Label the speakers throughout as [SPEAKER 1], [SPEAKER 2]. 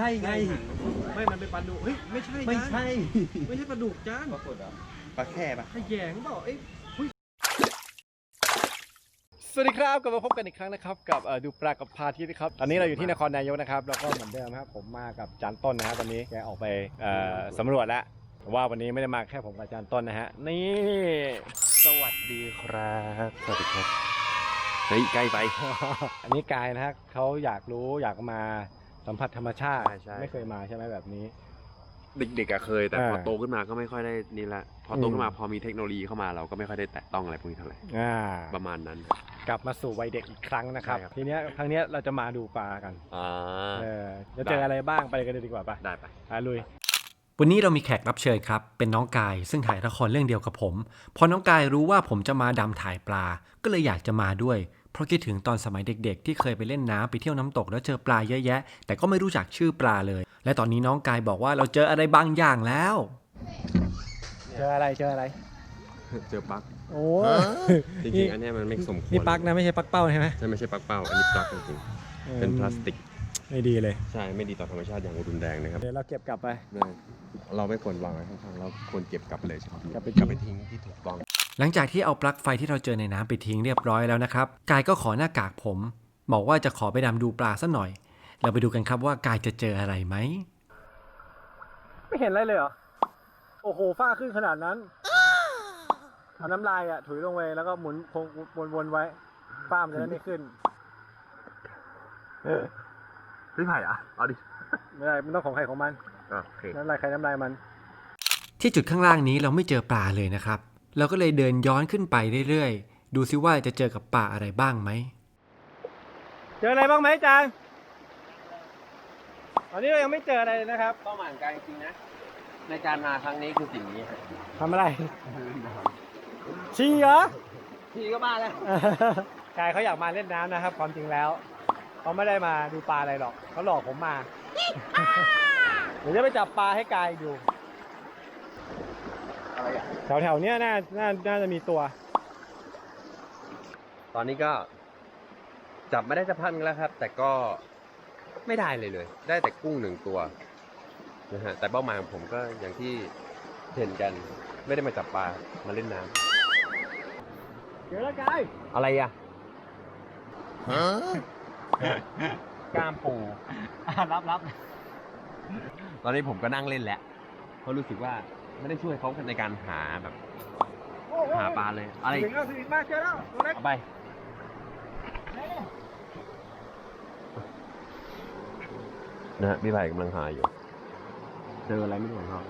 [SPEAKER 1] ช่ไง
[SPEAKER 2] ไม่มันเป็นปลาดุกเฮ้ยไม่ใช่
[SPEAKER 1] ไม่ใช่
[SPEAKER 2] ไม่ใช่ปลาดุกจาน
[SPEAKER 1] ปรากฏอ่ะปลาแค่ปะ
[SPEAKER 2] ขยงเปล่าเอ้ย
[SPEAKER 3] สวัสดีครับกลับมาพบกันอีกครั้งนะครับกับดูปลากับพาทิตย์นะครับตอนนี้เราอยู่ที่นครนายกนะครับแล้วก็เหมือนเดิมครับผมมากับจานต้นนะฮะตอนนี้แกออกไปสำรวจแล้วแต่ว่าวันนี้ไม่ได้มาแค่ผมกับจานต้นนะฮะนี่สวัสดีครับสวัสดีครับเฮ้ยใกล้ไป อันนี้กายนะฮะเขาอยากรู้อยากมาสัมผัสธรรมชาติไม่เคยมาใช่ไหมแบบนี้
[SPEAKER 4] เด็กๆเคยแต่พอโตขึ้นมาก็ไม่ค่อยได้นี่ละพอโตขึ้นมาพอมีเทคโนโลยีเข้ามาเราก็ไม่ค่อยได้แตะต้องอะไรพวกนี้เท่าไหร่ประมาณนั้น
[SPEAKER 3] กลับมาสู่วัยเด็กอีกครั้งนะครับทีนี้ครั้งนี้เราจะมาดูปลากันจะเจออะไรบ้างไปกันเลยดีกว่าป่ะ
[SPEAKER 4] ได้ไป
[SPEAKER 3] ลุยวันนี้เรามีแขกรับเชิญครับเป็นน้องกายซึ่งถ่ายละครเรื่องเดียวกับผมพอน้องกายรู้ว่าผมจะมาดำถ่ายปลาก็เลยอยากจะมาด้วยเพราะคิดถึงตอนสมัยเด็กๆที่เคยไปเล่นน้ำไปเที่ยวน้ำตกแล้วเจอปลาเยอะแยะแต่ก็ไม่รู้จักชื่อปลาเลยและตอนนี้น้องกายบอกว่าเราเจออะไรบางอย่างแล้วเจออะไรเจอ
[SPEAKER 4] ปลั๊ก
[SPEAKER 3] โอ้
[SPEAKER 4] จริงๆอันนี้มันไม่สมควร
[SPEAKER 3] นี่ปลั๊กนะไม่ใช่ปลั๊กเป้าใช่ไหม
[SPEAKER 4] ใช่ไม่ใช่ปลั๊กเป้าอันนี้ปลั๊กจริงๆเป็นพลาสติก
[SPEAKER 3] ไม่ดีเลย
[SPEAKER 4] ใช่ไม่ดีต่อธรรมชาติอย่างรุนแรงนะครับ
[SPEAKER 3] เดี๋ยวเราเก็บกลับไป
[SPEAKER 4] เราไม่ควรวางไว้ข้างๆเราควรเก็บกลับเลยใช่ไหมกลับไปทิ้งที่ถูกต้อง
[SPEAKER 3] หลังจากที่เอาปลั๊กไฟที่เราเจอในน้ำไปทิ้งเรียบร้อยแล้วนะครับกายก็ขอหน้ากากผมบอกว่าจะขอไปดำดูปลาสักหน่อยเราไปดูกันครับว่ากายจะเจออะไรไหมไม่เห็นอะไรเลยเหรอโอ้โหฟ้าขึ้นขนาดนั้นเอาน้ำลายอ่ะถุยลงไปแล้วก็หมุนคงวนๆไว้ฟ้ามันจะได้ไม่ขึ้น
[SPEAKER 4] พี่ไผ่อะเอาดิ
[SPEAKER 3] ไม่ได้มันต้องของใครของมัน
[SPEAKER 4] โอเค
[SPEAKER 3] น้ำลายใครน้ำลายมันที่จุดข้างล่างนี้เราไม่เจอปลาเลยนะครับเราก็เลยเดินย้อนขึ้นไปเรื่อยๆดูซิว่าจะเจอกับปลาอะไรบ้างไหมเจออะไรบ้างไหมจางตอนนี้เรายังไม่เจออะไรเลยนะครับ
[SPEAKER 4] เป้าหมายการจริงๆนะในการมาครั้งนี้คือสิ่งนี้
[SPEAKER 3] ทำอะไรชีเหรอ
[SPEAKER 4] พี่ก็มาแล้ว
[SPEAKER 3] กายเขาอยากมาเล่นน้ำนะครับความจริงแล้วเขาไม่ได้มาดูปลาอะไรหรอกเขาหลอกผมมาเดี๋ยวจะไปจับปลาให้กายดูแถวๆเนี้ยน่าจะมีตัว
[SPEAKER 4] ตอนนี้ก็จับไม่ได้จะพันแล้วครับแต่ก็ไม่ได้เลยได้แต่กุ้ง1 ตัวนะฮะแต่เป้าหมายของผมก็อย่างที่เห็นกันไม่ได้มาจับปลามาเล่นน้
[SPEAKER 3] ำเดี๋ยวละกาย
[SPEAKER 4] อะไรอ่ะ
[SPEAKER 3] กล้ามปูรับ
[SPEAKER 4] ตอนนี้ผมก็นั่งเล่นแหละเพราะรู้สึกว่าไม่ได้ช่วยเขาในการหาแบบหาปลาเลยอะไร
[SPEAKER 3] ถึงมากเจอแล้วตัวเล็ก
[SPEAKER 4] เอาไปนะฮะพี่ไผ่กำลังหาอยู่เจออะไรไม่รู้ของเขา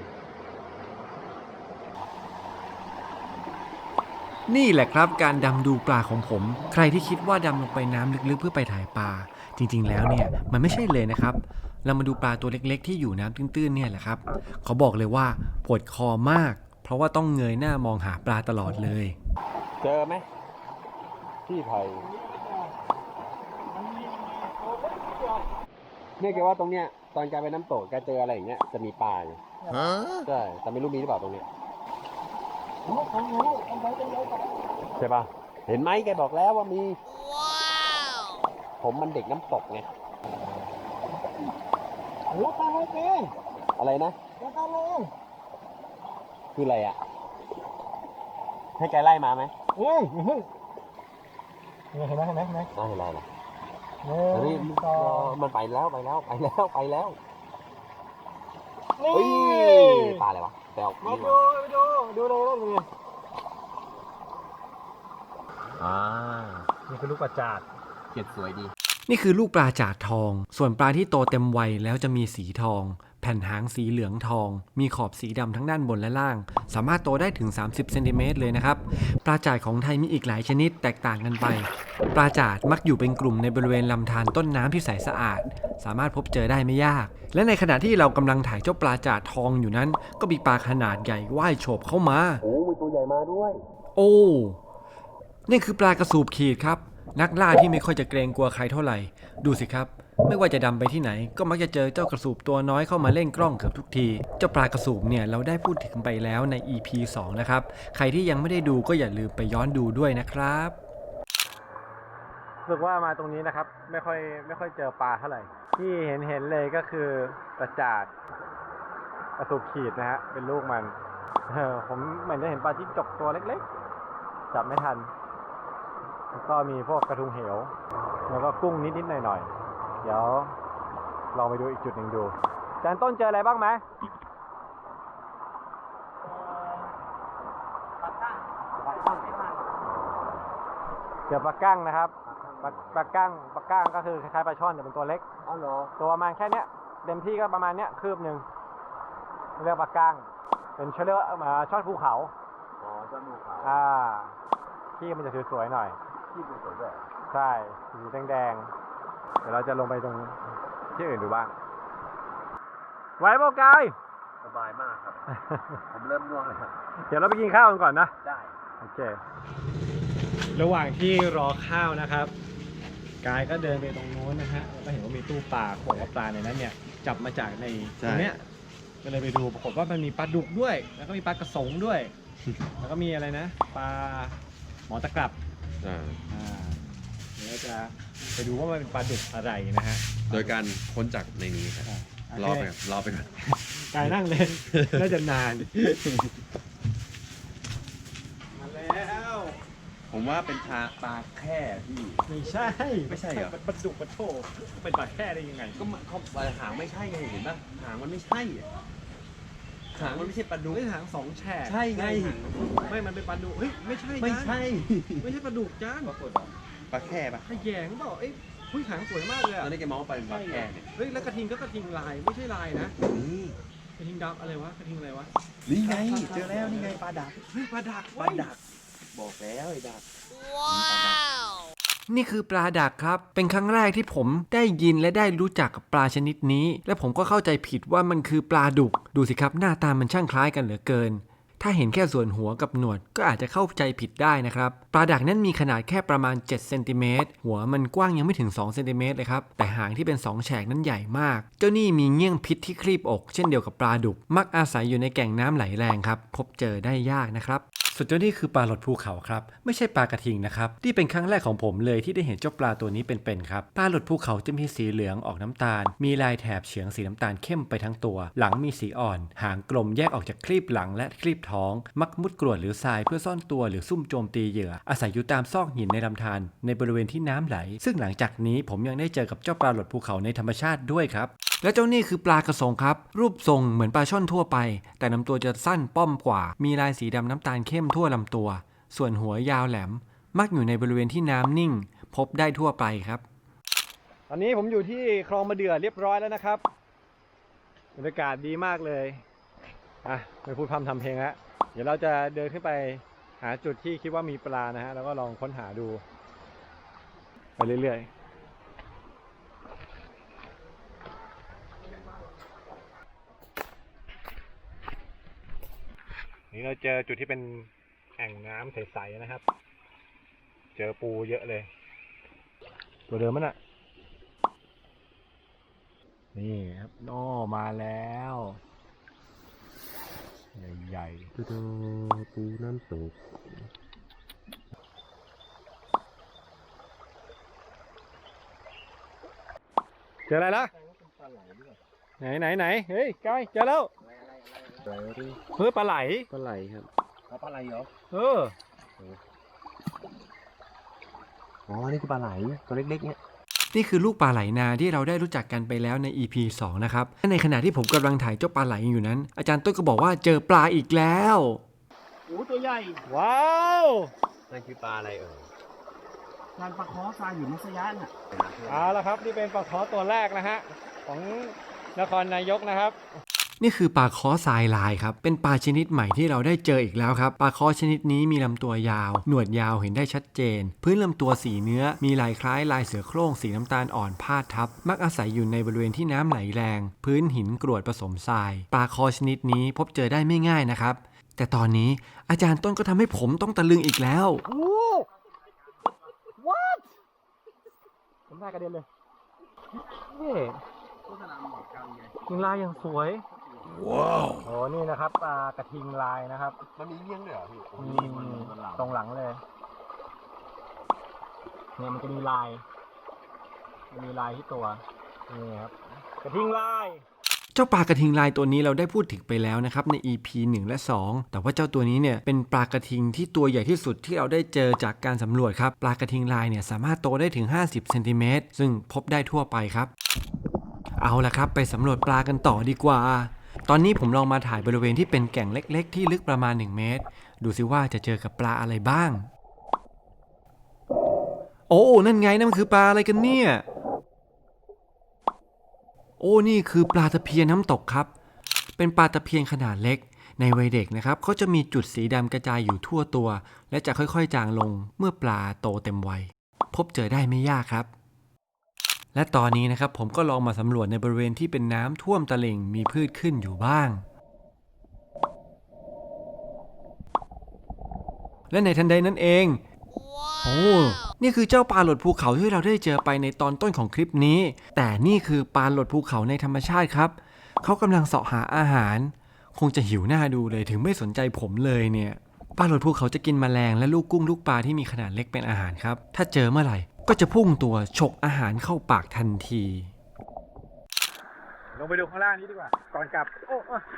[SPEAKER 3] นี่แหละครับการดำดูปลาของผมใครที่คิดว่าดำลงไปน้ำลึกๆเพื่อไปถ่ายปลาจริงๆแล้วเนี่ยมันไม่ใช่เลยนะครับเรามาดูปลาตัวเล็กๆที่อยู่น้ำตื้นๆเนี่ยแหละครับเขาบอกเลยว่าปวดคอมากเพราะว่าต้องเงยหน้ามองหาปลาตลอดเลย
[SPEAKER 4] เจอไหมพี่ไผ่เนี่ยแกว่าตรงเนี้ยตอนแกไปน้ำตกแกเจออะไรอย่างเงี้ยจะมีปลาอยู่ใช่แต่ไม่รู้มีหรือเปล่าตรงเนี้ยใช่ป่ะเห็นไหมแกบอกแล้วว่ามีผมมันเด็กน้ำตกไง
[SPEAKER 3] แล้วปลาอะไรเอง
[SPEAKER 4] อะไรนะ
[SPEAKER 3] แล้วปลาอะไร
[SPEAKER 4] คืออะไรอ่ะให้แกไล่มาไหม
[SPEAKER 3] เฮ้ยเห็นไหม
[SPEAKER 4] เห็นอะไรล่ะนี่มันไปแล้วนี่ปลาอะไรวะแซว
[SPEAKER 3] มาดูเลยนี่คือลูกปลาจาด
[SPEAKER 4] เกล็ดสวยดี
[SPEAKER 3] นี่คือลูกปลาจาดทองส่วนปลาที่โตเต็มวัยแล้วจะมีสีทองแผ่นหางสีเหลืองทองมีขอบสีดำทั้งด้านบนและล่างสามารถโตได้ถึง30เซนติเมตรเลยนะครับปลาจาดของไทยมีอีกหลายชนิดแตกต่างกันไปปลาจาดมักอยู่เป็นกลุ่มในบริเวณลำธารต้นน้ำที่ใสสะอาดสามารถพบเจอได้ไม่ยากและในขณะที่เรากำลังถ่ายเจ้าปลาจาดทองอยู่นั้นก็มีปลาขนาดใหญ่ว่ายโฉบเข้ามา
[SPEAKER 4] มีตัวใหญ่มาด้วย
[SPEAKER 3] โอ้นี่คือปลากระสูบขีดครับนักล่าที่ไม่ค่อยจะเกรงกลัวใครเท่าไหร่ดูสิครับไม่ว่าจะดำไปที่ไหนก็มักจะเจอเจ้ากระสูบตัวน้อยเข้ามาเล่นกล้องเกือบทุกทีเจ้าปลากระสูบเนี่ยเราได้พูดถึงไปแล้วใน EP 2นะครับใครที่ยังไม่ได้ดูก็อย่าลืมไปย้อนดูด้วยนะครับรู้สึกว่ามาตรงนี้นะครับไม่ค่อยเจอปลาเท่าไหร่ที่เห็นเลยก็คือกระจาดกระสุกขีดนะฮะเป็นลูกมันผมเหมือนจะเห็นปลาจิ้งจกตัวเล็กๆจับไม่ทันแล้วก็มีพวกกระทุงเหวแล้วก็กุ้งนิดๆหน่อยๆเดี๋ยวลองไปดูอีกจุดหนึ่งดูอาจารย์ต้นเจออะไรบ้างไหมเจอปลากั้งนะครับปลากั้งก็คือคล้ายๆปลาช่อนแต่เป็นตัวเล็กอ๋อเหรอตัวประมาณแค่เนี้ยเต็มที่ก็ประมาณเนี้ยคืบหนึ่งเรียกปลากั้งเป็นเชื้อช่อนภูเขาอ๋อช่อนภูเขาที่มันจะสวยๆหน่อยที่สวยๆด้วยใช่สีแดงๆเดี๋ยวเราจะลงไปตรงที่อื่นดูบ้างไหวเปล่ากายสบายมากครับ ผมเริ่มง่วงเลยครับเดี๋ยวเราไปกินข้าวกันก่อนนะได้โอเคระหว่างที่รอข้าวนะครับกายก็เดินไปตรงโน้นนะฮะแล้วก็เห็นว่ามีตู้ปลาเขาบอกว่าปลาในนั้นเนี่ยจับมาจากในตรงเนี้ยก็เลยไปดูปรากฏว่ามันมีปลาดุกด้วยแล้วก็มีปลากระสงด้วย แล้วก็มีอะไรนะปลาหมอตะกรับเดี๋ยวจะไปดูว่ามันเป็นปลาดุกอะไรนะฮะ
[SPEAKER 4] โดยการค้นจากในนี้ครับรอไปก่อน
[SPEAKER 3] กายนั่งเลยน่าจะนานมาแล้ว
[SPEAKER 1] ผมว่าเป็นปลาแค่ที่
[SPEAKER 3] ไม่ใช่เหรอปลาดุกปลาโถเป็นปลาแค่ได้ยังไง
[SPEAKER 1] ก็เขาหางไม่ใช่ไงเห็นป่ะหางมันไม่ใช่หางมันไม่ใช่ปลาดุก
[SPEAKER 2] หางสองแฉก
[SPEAKER 1] ใช่ไง
[SPEAKER 2] ไม่มันเป็นปลาดุกเฮ้ยไม่ใช่
[SPEAKER 1] ไม่ใช่
[SPEAKER 2] ปลาดุกจ้าน
[SPEAKER 1] ปลาแค่ปะ
[SPEAKER 2] ขยงเปล่าหางสวยมากเลย
[SPEAKER 1] ตอนนี้แกมองว่าปลาแค่เนี่ย
[SPEAKER 2] เฮ้ยแล้วกระทิงก็กระทิงลายไม่ใช่ลายนะกระทิงดำอะไรวะกระทิงอะไรวะ
[SPEAKER 1] นี่ไงเจอแล้วนี่ไงปลาดัก
[SPEAKER 2] ปลาดัก
[SPEAKER 1] บอกแล้วไอ้ดัก
[SPEAKER 3] นี่คือปลาดักครับเป็นครั้งแรกที่ผมได้ยินและได้รู้จักกับปลาชนิดนี้และผมก็เข้าใจผิดว่ามันคือปลาดุกดูสิครับหน้าตามันช่างคล้ายกันเหลือเกินถ้าเห็นแค่ส่วนหัวกับหนวดก็อาจจะเข้าใจผิดได้นะครับปลาดักนั้นมีขนาดแค่ประมาณ7เซนติเมตรหัวมันกว้างยังไม่ถึง2เซนติเมตรเลยครับแต่หางที่เป็น2แฉกนั้นใหญ่มากเจ้านี่มีเงี้ยงพิษที่ครีบอกเช่นเดียวกับปลาดุกมักอาศัยอยู่ในแก่งน้ำไหลแรงครับพบเจอได้ยากนะครับส่วนเจ้านี่คือปลาหลดภูเขาครับไม่ใช่ปลากระทิงนะครับที่เป็นครั้งแรกของผมเลยที่ได้เห็นเจ้าปลาตัวนี้เป็นๆครับปลาหลดภูเขาจะมีสีเหลืองออกน้ำตาลมีลายแถบเฉียงสีน้ำตาลเข้มไปทั้งตัวหลังมีสีอ่อนหางกลมแยกออกจากครีบหลังและครีบท้องมักมุดกรวดหรือทรายเพื่อซ่อนตัวหรือซุ่มโจมตีเหยื่ออาศัยอยู่ตามซอกหินในลำธารในบริเวณที่น้ำไหลซึ่งหลังจากนี้ผมยังได้เจอกับเจ้าปลาหลดภูเขาในธรรมชาติด้วยครับและเจ้านี่คือปลากระสงครับรูปทรงเหมือนปลาช่อนทั่วไปแต่ลำตัวจะสั้นป้อมกว่ามีลายสีดำน้ำตาลเข้มทั่วลำตัวส่วนหัวยาวแหลมมักอยู่ในบริเวณที่น้ำนิ่งพบได้ทั่วไปครับตอนนี้ผมอยู่ที่คลองมะเดื่อเรียบร้อยแล้วนะครับบรรยากาศดีมากเลยไม่พูดพร่ำทำเพลงแล้วเดี๋ยวเราจะเดินขึ้นไปหาจุดที่คิดว่ามีปลานะฮะแล้วก็ลองค้นหาดูไปเรื่อยๆนี่เราเจอจุดที่เป็นแอ่งน้ำใสๆนะครับเจอปูเยอะเลยตัวเดิมมันอ่ะนี่ครับมาแล้วใหญ่ๆ
[SPEAKER 4] ปูน้ำตก
[SPEAKER 3] เจออะไรล่ะไหนเฮ้ยกายเจอแล้วเฮ้ยปลาไหล
[SPEAKER 4] ครับ
[SPEAKER 1] ปลาไหลเหรอ
[SPEAKER 4] นี่คือปลาไหลตัวเล็กๆเนี่ย
[SPEAKER 3] นี่คือลูกปลาไหลนาที่เราได้รู้จักกันไปแล้วใน EP 2 นะครับในขณะที่ผมกำลังถ่ายเจ้าปลาไหลอยู่นั้นอาจารย์ต้นก็บอกว่าเจอปลาอีกแล้ว
[SPEAKER 2] โอ้ตัวใหญ่
[SPEAKER 3] ว้าว
[SPEAKER 4] นั่นคือปลาอะไร
[SPEAKER 2] ปลาคอทรายอยู่มัสยัน
[SPEAKER 3] เอาละครับนี่เป็นปลาคอตัวแรกนะฮะของนครนายกนะครับนี่คือปลาค้อทรายลายครับเป็นปลาชนิดใหม่ที่เราได้เจออีกแล้วครับปลาค้อชนิดนี้มีลำตัวยาวหนวดยาวเห็นได้ชัดเจนพื้นลำตัวสีเนื้อมีลายคล้ายลายเสือโคร่งสีน้ำตาลอ่อนพาดทับมักอาศัยอยู่ในบริเวณที่น้ำไหลแรงพื้นหินกรวดผสมทรายปลาค้อชนิดนี้พบเจอได้ไม่ง่ายนะครับแต่ตอนนี้อาจารย์ต้นก็ทำให้ผมต้องตะลึงอีกแล้ว
[SPEAKER 2] What ผมได้กระเด็นเลยนี่
[SPEAKER 3] ลายอย่างสวยว้าวโอ้นี่นะครับปลากระทิงลายนะครับ
[SPEAKER 1] มันมีเงี้ยงด้วยเหรอพี่
[SPEAKER 3] ตรงหลังเลย
[SPEAKER 2] เนี่ยมันจะมีลายที่ตัวนี่ครับกระทิงลาย
[SPEAKER 3] เจ้าปลากระทิงลายตัวนี้เราได้พูดถึงไปแล้วนะครับใน EP 1 และ 2 แต่ว่าเจ้าตัวนี้เนี่ยเป็นปลากระทิงที่ตัวใหญ่ที่สุดที่เราได้เจอจากการสำรวจครับปลากระทิงลายเนี่ยสามารถโตได้ถึง50เซนติเมตรซึ่งพบได้ทั่วไปครับเอาละครับไปสำรวจปลากันต่อดีกว่าตอนนี้ผมลองมาถ่ายบริเวณที่เป็นแก่งเล็กๆที่ลึกประมาณ1 เมตรดูซิว่าจะเจอกับปลาอะไรบ้างโอ้นั่นไงนั่นมันคือปลาอะไรกันเนี่ยโอ้นี่คือปลาตะเพียนน้ำตกครับเป็นปลาตะเพียนขนาดเล็กในวัยเด็กนะครับเขาจะมีจุดสีดำกระจายอยู่ทั่วตัวและจะค่อยๆจางลงเมื่อปลาโตเต็มวัยพบเจอได้ไม่ยากครับและตอนนี้นะครับผมก็ลองมาสำรวจในบริเวณที่เป็นน้ำท่วมตลิ่งมีพืชขึ้นอยู่บ้างและในทันใดนั้นเองโอ้นี่คือเจ้าปลาหลดภูเขาที่เราได้เจอไปในตอนต้นของคลิปนี้แต่นี่คือปลาหลดภูเขาในธรรมชาติครับเขากำลังเสาะหาอาหารคงจะหิวหน้าดูเลยถึงไม่สนใจผมเลยเนี่ยปลาหลดภูเขาจะกินแมลงและลูกกุ้งลูกปลาที่มีขนาดเล็กเป็นอาหารครับถ้าเจอเมื่อไหร่ก็จะพุ่งตัวฉกอาหารเข้าปากทันที
[SPEAKER 2] ลงไปดูข้างล่างนี้ดีกว่าก่อนกลับโอ้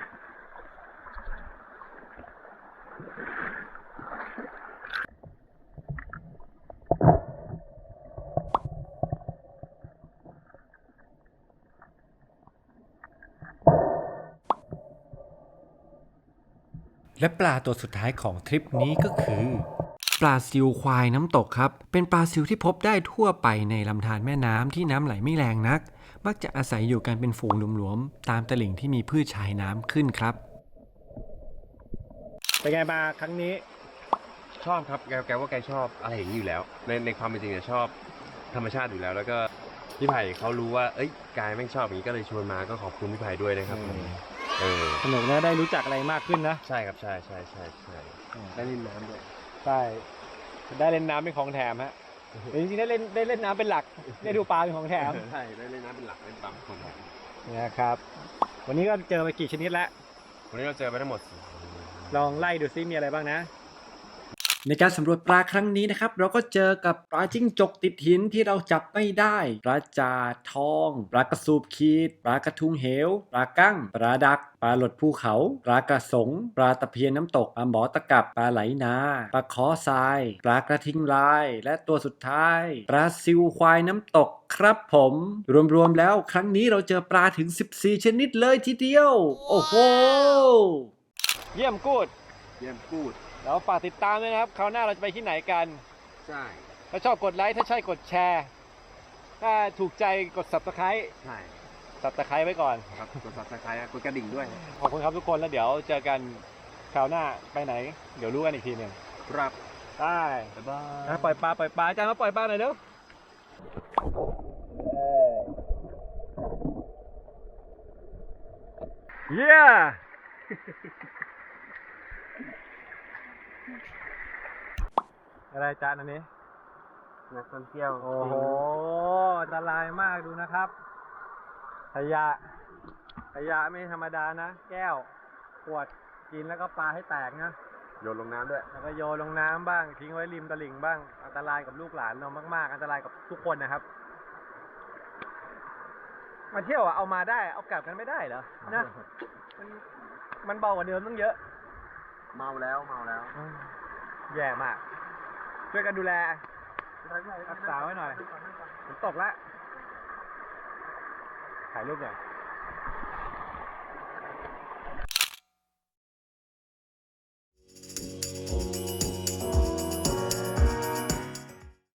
[SPEAKER 3] และปลาตัวสุดท้ายของทริปนี้ก็คือปลาซิวควายน้ำตกครับเป็นปลาซิวที่พบได้ทั่วไปในลำธารแม่น้ำที่น้ำไหลไม่แรงนักมักจะอาศัยอยู่กันเป็นฝูงหลวมๆตามตลิ่งที่มีพืชชายน้ำขึ้นครับ
[SPEAKER 2] เป็นไงมาครั้งนี้
[SPEAKER 4] ชอบครับแกว่าแกชอบอะไรอย่างนี้อยู่แล้วในความเป็นจริงเนี่ยชอบธรรมชาติอยู่แล้วแล้วก็พี่ไผ่เขารู้ว่าเอ้ยกายแม่งชอบอย่างนี้ก็เลยชวนมาก็ขอบคุณพี่ไผ่ด้วยนะครับ
[SPEAKER 2] สนุกนะได้รู้จักอะไรมากขึ้นนะ
[SPEAKER 4] ใช่ครับใช่ได้เล่นน้ำด้วย
[SPEAKER 2] ใช่ได้เล่นน้ำเป็นของแถมฮะจริงๆได้เล่นน้ำเป็นหลักได้ดูปลาเป็นของแถม
[SPEAKER 4] ใช่ได้เล่นน้ำเป็นหลักเล่นปลาเป็นของแถม
[SPEAKER 2] เนี่ยครับวันนี้ก็เจอไปกี่ชนิดแล้ว
[SPEAKER 4] วันนี้เราเจอไปทั้งหมด
[SPEAKER 2] ลองไล่ดูซิมีอะไรบ้างนะ
[SPEAKER 3] ในการสำรวจปลาครั้งนี้นะครับเราก็เจอกับปลาจิ้งจกติดหินที่เราจับไม่ได้ปลาจาดทองปลากระสูบขีดปลากระทุงเหวปลากั้งปลาดักปลาหลดภูเขาปลากระสงปลาตะเพียนน้ำตกปลาหมอตะกับปลาไหลนาปลาขอทรายปลากระทิงลายและตัวสุดท้ายปลาซิวควายน้ำตกครับผมรวมๆแล้วครั้งนี้เราเจอปลาถึง14ชนิดเลยทีเดียวโอ้โห
[SPEAKER 2] เยี่ยมกูด
[SPEAKER 4] แล้ว
[SPEAKER 2] ฝากติดตามด้วยนะครับคราวหน้าเราจะไปที่ไหนกัน
[SPEAKER 4] ใช่
[SPEAKER 2] ถ้าชอบกดไลค์ถ้าใช่กดแชร์ถ้าถูกใจกด Subscribe
[SPEAKER 4] ใช่
[SPEAKER 2] Subscribe ไว้ก่อน
[SPEAKER 4] ครับกด Subscribe กดกระดิ่งด้วย
[SPEAKER 2] ขอบคุณครับทุกคนแล้วเดี๋ยวเจอกันคราวหน้าไปไหนเดี๋ยวรู้กันอีกทีหนึ่ง
[SPEAKER 4] ครับ
[SPEAKER 2] ได้
[SPEAKER 4] บ๊ายบาย
[SPEAKER 2] ปล่อยปลาอาจารย์มาปล่อยปลาหน่อยเร็วเย้อะไรจานอันนี้
[SPEAKER 4] นักท่องเที่ยว
[SPEAKER 2] โอ้โหอันตรายมากดูนะครับขยะไม่ธรรมดานะแก้วขวดกินแล้วก็ปาให้แตกนะ
[SPEAKER 4] โยนลงน้ำด้วย
[SPEAKER 2] แล้วก็โยนลงน้ำบ้างทิ้งไว้ริมตลิ่งบ้างอันตรายกับลูกหลานเรามากๆอันตรายกับทุกคนนะครับมาเที่ยวอ่ะเอามาได้เอากลับกันไม่ได้เหรอนะมันเบากว่าเดิมตั้งเยอะ
[SPEAKER 4] เมาแล้ว
[SPEAKER 2] แย่มากช่วยกันดูแลรักษาไว้หน่อยฝนตกแล้วถ่ายรูปหน่อย